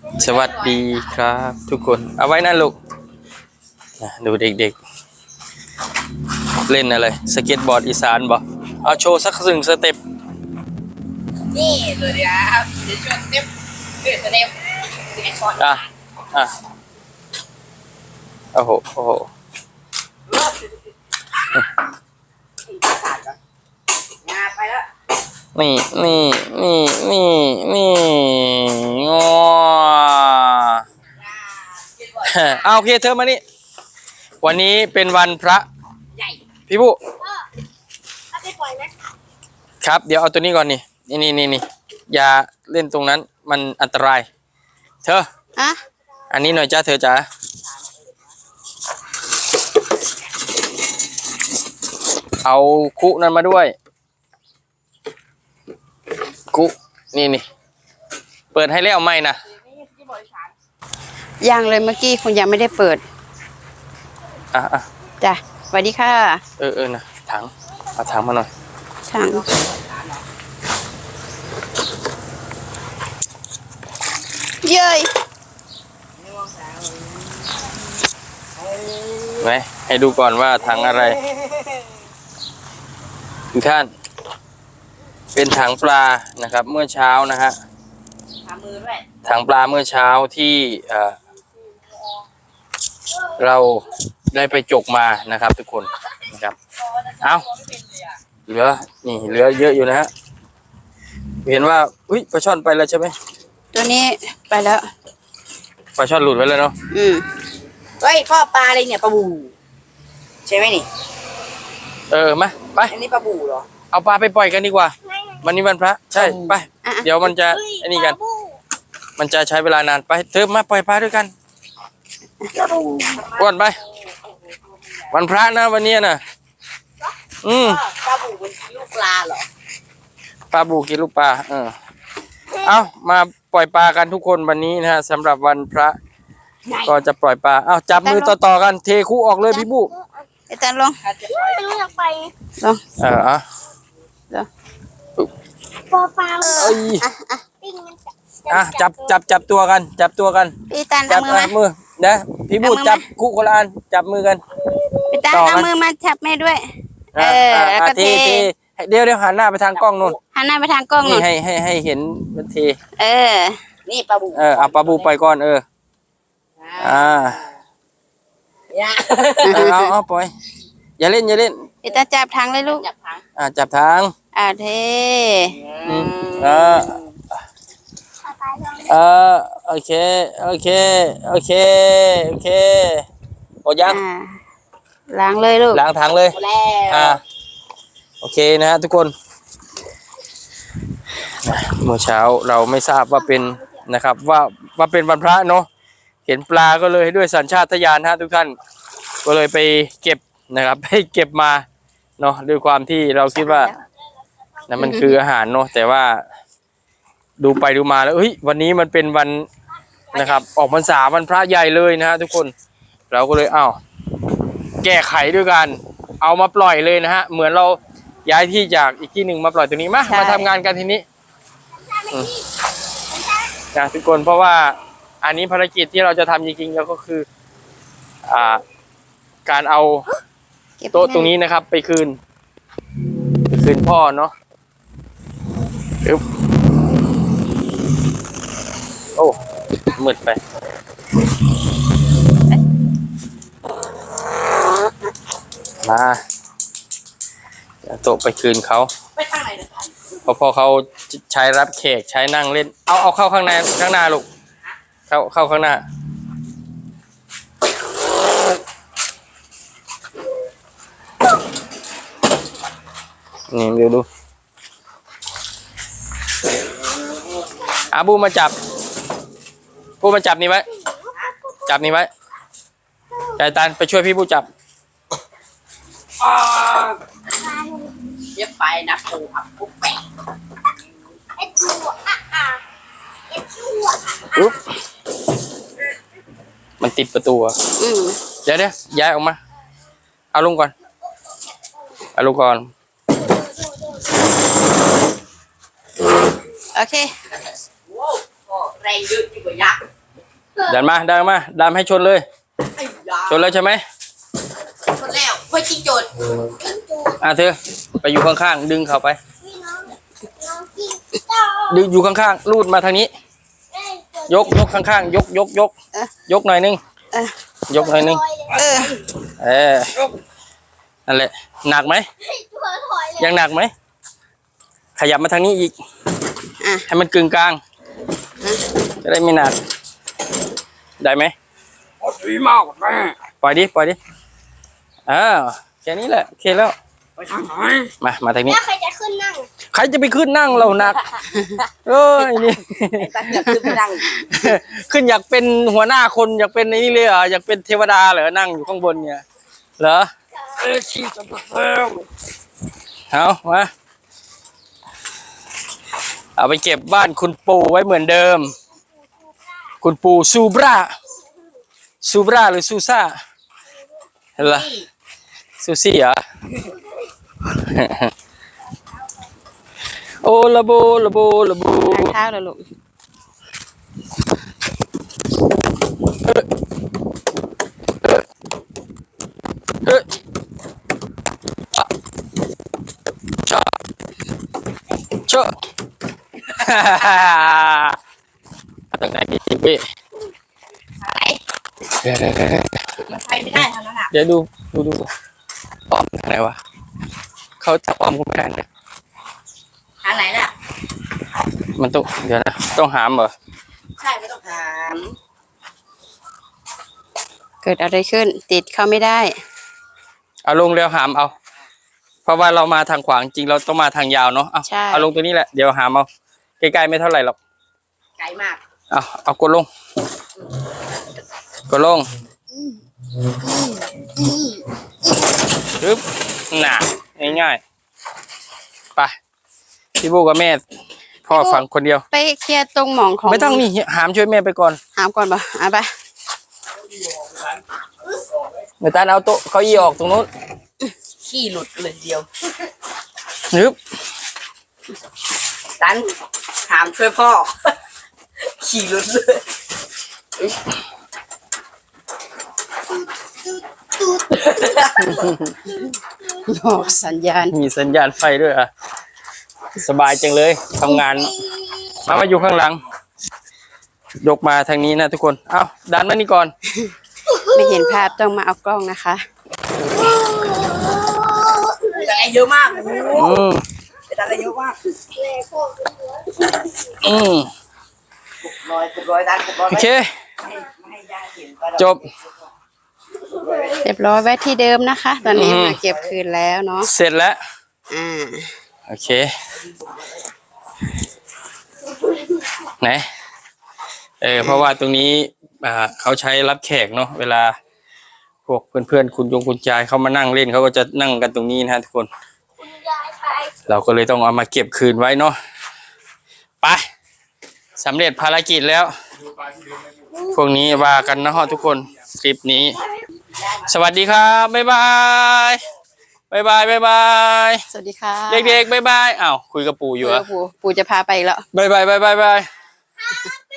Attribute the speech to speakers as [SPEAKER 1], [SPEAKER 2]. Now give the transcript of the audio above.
[SPEAKER 1] สวัสดีครับทุกคนเอาไว้นะลูกดูเด็กๆเล่นอะไรสเก็ตบอร์ดอีสานบ่เอาโชว์สักหนึ่งสเต็ป
[SPEAKER 2] นี่เลยครับเดี๋ยวชวนสเต็ปเดือดสเต็ปสิบเอ็ดคน
[SPEAKER 1] อ่ะโอ้โหโอ้โห
[SPEAKER 2] งาไปแล้ว
[SPEAKER 1] นี่งอเอาโอเคเธอมานี่วันนี้เป็นวันพระ
[SPEAKER 2] ใหญ่
[SPEAKER 1] พี่ผู้
[SPEAKER 2] เอาไปปล่อยไหม
[SPEAKER 1] ครับเดี๋ยวเอาตัวนี้ก่อนนี่อย่าเล่นตรงนั้นมันอันตรายเธออันนี้หน่อยจ้าเธอจ๋าเอาคุนั้นมาด้วยคุนี่เปิดให้แล้วไหมนะ
[SPEAKER 3] ยังเลยเมื่อกี้คุณยังไม่ได้เปิดจ้ะสวัสดีค่ะ
[SPEAKER 1] นะถังเอาถังมาหน่อย
[SPEAKER 3] ถังเย้ย
[SPEAKER 1] ไหมให้ดูก่อนว่าถังอะไรทุกท่านเป็นถังปลานะครับเมื่อเช้านะฮะถังปลาเมื่อเช้าที่เราได้ไปจกมานะครับทุกคนนะครับเอาเหลือเยอะอยู่นะฮะเห็นว่าอุ้ยปลาช่อนไปแล้วใช่ไหม
[SPEAKER 3] ตัวนี้ไปแล้ว
[SPEAKER 1] ปลาช่อนหลุดไปแล้วเนาะ
[SPEAKER 2] เฮ้ยพ่อปลาอะไรเนี่ยปลาบูใช่ไหมนี่
[SPEAKER 1] มาไป
[SPEAKER 2] อันนี้ปลาบูเหรอ
[SPEAKER 1] เอาปลาไปปล่อยกันดีกว่าวันนี้วันพระใช่ไปเดี๋ยวมันจะไอ้นี่กันมันจะใช้เวลานานไปเธอมาปล่อยปลาด้วยกันอ้วนไปวันพระนะวันนี้นะ
[SPEAKER 2] ปลาบูเป็นลูกปลาเหรอ
[SPEAKER 1] ปลาบูกินลูกปลาเอามาปล่อยปลากันทุกคนวันนี้นะฮะสำหรับวันพระก็จะปล่อยปลาเอาจับมือต่อกันเทคู่ออกเลยพี่บู
[SPEAKER 3] ไอ้ตันลง
[SPEAKER 2] ไม่รู้อยากไป
[SPEAKER 3] ลง
[SPEAKER 2] ปลา
[SPEAKER 1] จับตัวกัน
[SPEAKER 3] พี่ตัน
[SPEAKER 1] จั
[SPEAKER 3] เอามือ
[SPEAKER 1] นะพี่บูจับคู่คนละอันจับมือกัน
[SPEAKER 3] พี่ตันเอามือมาจับแม่ด้วยแล้วก็เท
[SPEAKER 1] เดี๋ยวหันหน้าไปทางกล้องนู่น
[SPEAKER 3] หันหน้าไปทางกล้อง
[SPEAKER 1] นี่ให้เห็นมันเท
[SPEAKER 2] นี่ปลาบู
[SPEAKER 1] เอาปลาบูไปก่อนเอาปล่อยอย่าเล่น
[SPEAKER 3] พี่ตันจับทางเลยลูก
[SPEAKER 2] จับทาง
[SPEAKER 1] จับทาง
[SPEAKER 3] เท
[SPEAKER 1] โอเคหมดยัง
[SPEAKER 3] ล้างเลยลูก
[SPEAKER 1] ล้างถังเลยโอเคนะฮะทุกคนเมื่อเช้าเราไม่ทราบว่าเป็นนะครับว่าเป็นวันพระเนาะเห็นปลาก็เลยด้วยสัญชาตญาณฮะทุกท่านก็เลยไปเก็บนะครับไปเก็บมาเนาะด้วยความที่เราคิดว่านั่นมันคืออาหารเนาะแต่ว่าดูไปดูมาแล้ววันนี้มันเป็นวันนะครับออกพรรษาวันพระใหญ่เลยนะฮะทุกคนเราก็เลยแก้ไขด้วยกันเอามาปล่อยเลยนะฮะเหมือนเราย้ายที่จากอีกที่หนึ่งมาปล่อยตัวนี้มาทำงานกันทีนี้นะทุกคนเพราะว่าอันนี้ภารกิจที่เราจะทำจริงๆแล้วก็คือการเอาโต๊ะตรงนี้นะครับไปคืนพ่อเนาะโอ้มืดไปมาโต๊ะไปคืนเขา
[SPEAKER 2] ไปทางไหน
[SPEAKER 1] พอเขาใช้รับแขกใช้นั่งเล่นเอาเข้าข้างหน้าลูกเข้าข้างหน้านี่เดี๋ยวดูบูมาจับนี่ไว้ใจตันไปช่วยพี่บูจับ
[SPEAKER 2] เย็บไปนะปูผักปุ๊บแปะ
[SPEAKER 1] มันติดประตูเดี๋ยวย้ายออกมาเอาลงก่อน
[SPEAKER 3] โอเค
[SPEAKER 2] แรงเยอะจริงกว่ายักษ์
[SPEAKER 1] ดันมาดันให้ชนเลย
[SPEAKER 2] ไอ้ยา
[SPEAKER 1] ชนแล้วใช่ไหม
[SPEAKER 2] ชนแล้วไม่ชิงโจทย์
[SPEAKER 1] เธอไปอยู่ข้างๆดึงเขาไป ดึงอยู่ข้างๆลูดมาทางนี้ ยกข้างๆยกหน่อยนึงยกหน่อยนึงนั่นแหละหนักไหมยังหนักไหมขยับมาทางนี้อีกให้มันกึ่งกลางจะได้ไม่หนักได้ไหมดีมากแม่ปล่อยดิแค่นี้แหละโอเคแล้วมาทางนี้
[SPEAKER 3] แล้วใครจะขึ้นนั่ง
[SPEAKER 1] ใครจะไปขึ้นนั่งเราหนักเอ้ยนี่
[SPEAKER 2] ตั้งแต่ขึ้นไปนั่ง
[SPEAKER 1] ขึ้นอยากเป็นหัวหน้าคนอยากเป็นในนี่เลยเหรออยากเป็นเทวดาเหรอนั่งอยู่ข้างบนเนี่ยเหรอเอามาเอาไปเก็บบ้านคุณปู่ไว้เหมือนเดิมคุณปู่ซูบราหรือซูซ่าเห็นเหรอซูซี่เหรอ โอละโบ
[SPEAKER 3] ข้าวแล้วลูก
[SPEAKER 1] เชอะตรงไหนดีพี่
[SPEAKER 2] มันไปไม่ได้เท่านั้นอ่ะ
[SPEAKER 1] เดี๋ยวดูอ้อมทางไหนวะเขาจะอ้อมก็ไม่ได้เลย
[SPEAKER 2] หาไหนล่ะ
[SPEAKER 1] มันต้องเดี๋ยวนะต้องหามเหรอ
[SPEAKER 2] ใช่ไม่ต้องหาม
[SPEAKER 3] เกิดอะไรขึ้นติดเข้าไม่ได้
[SPEAKER 1] เอาลงเร็วหามเอาเพราะว่าเรามาทางขวางจริงเราต้องมาทางยาวเนาะเอาลงตัวนี้แหละเดี๋ยวหามเอาใกล้ๆไม่เท่าไหร่หรอก
[SPEAKER 2] ไกลมาก
[SPEAKER 1] เอากดลงปึ๊บน่ะง่ายๆไปพี่บูกับแม่พ่อฟังคนเดียว
[SPEAKER 3] ไปเคลียร์ตรงหมองของ
[SPEAKER 1] ไม่ต้องนี่หามช่วยแม่ไปก่อน
[SPEAKER 3] หามก่อนป่ะไป
[SPEAKER 1] เมื่อตาเอาโต๊ะเก้าอี้ออกตรงนู้น
[SPEAKER 2] ขี้หลุดเลยเดียว
[SPEAKER 1] นึบ
[SPEAKER 2] ตันหามช่วยพ่อ ขี่หลุดเลย
[SPEAKER 3] บอกสัญญาณ
[SPEAKER 1] มีสัญญาณไฟด้วยอ่ะสบายจังเลยทำงานมาอยู่ข้างหลัง ยกมาทางนี้นะทุกคนเอาดันมานี่ก่อน
[SPEAKER 3] ไม่เห็นภาพต้องมาเอากล้องนะคะ
[SPEAKER 2] แต่อะไรเยอะมาก
[SPEAKER 1] อืม
[SPEAKER 2] แต่อะไรเยอะมาก
[SPEAKER 1] อืม
[SPEAKER 2] ร้อยตันร้อย
[SPEAKER 1] โอเค
[SPEAKER 2] ไม่ให้ยาเห็นก็
[SPEAKER 1] จบ
[SPEAKER 3] เรียบร้อยไว้ที่เดิมนะคะ ตอนนี้มาเก็บคืนแล้วเนาะ
[SPEAKER 1] เสร็จแล้ว โอเคไหนเพราะว่าตรงนี้เขาใช้รับแขกเนาะเวลาพวกเพื่อนๆคุณยายเขามานั่งเล่นเขาก็จะนั่งกันตรงนี้นะฮะทุกคนเราก็เลยต้องเอามาเก็บคืนไว้เนาะไปสำเร็จภารกิจแล้วพวกนี้ว่ากันนะฮะทุกคนคลิปนี้สวัสดีครับบ๊ายบายบ๊ายบาย
[SPEAKER 3] สวัสดีค่ะ
[SPEAKER 1] เด็กๆบ๊ายบายอ้าวคุยกับปู่อยู่เหรอ
[SPEAKER 3] ปู่จะพาไปอีกแล้ว
[SPEAKER 1] บ๊ายบาย